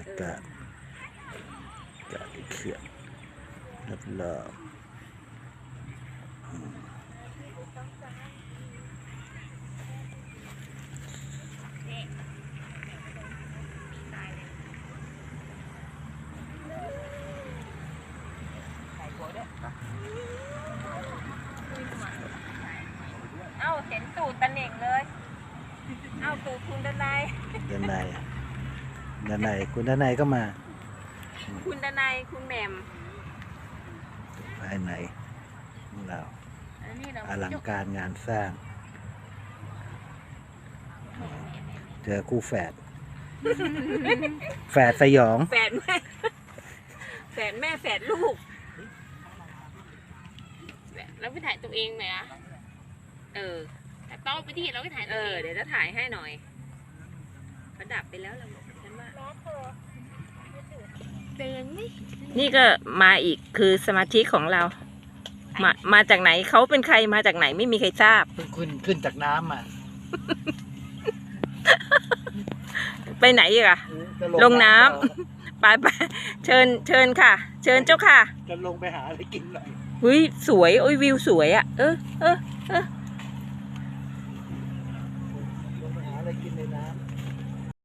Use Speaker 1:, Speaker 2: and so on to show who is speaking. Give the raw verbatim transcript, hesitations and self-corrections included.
Speaker 1: ากาศอากาศเขื่อนรอบ
Speaker 2: เอ้าเห็นตูดตะเหน่งเลยเอ้าตูดคุณดนาย
Speaker 1: ด้านในด้านในคุณด้านในก็มา
Speaker 2: คุณดนายคุณแหม่ม
Speaker 1: ภายในของเรา
Speaker 2: อันนี้เรา
Speaker 1: อลังการงานสร้าง เจอคู่แฝด แฝดสยอง
Speaker 2: แฝดแม่แฝดแม่แฝดลูกแล้วไปถ่ายตัวเองไหมอะเออแต่ต้องไปที่เราไปถ่ายเออเดี๋ยวจะถ่ายให้หน่อยเขาดับไปแล้วเราฉันว่าเดินนี่นี่ก็มาอีกคือสมาชิกของเรา มามาจากไหนเขาเป็นใครมาจากไหนไม่มีใครทราบ
Speaker 1: เพิ่งขึ้นขึ้นจากน้ำมา
Speaker 2: ไปไหนอีกอะ ลงน้ำ ไปไปเชิญเชิญค่ะ เชิญเจ้าค่ะ
Speaker 1: จะลงไปหาอะไรกินหน่อย
Speaker 2: หุ้ยสวยโอ้ยวิวสวยอะเออเออเออ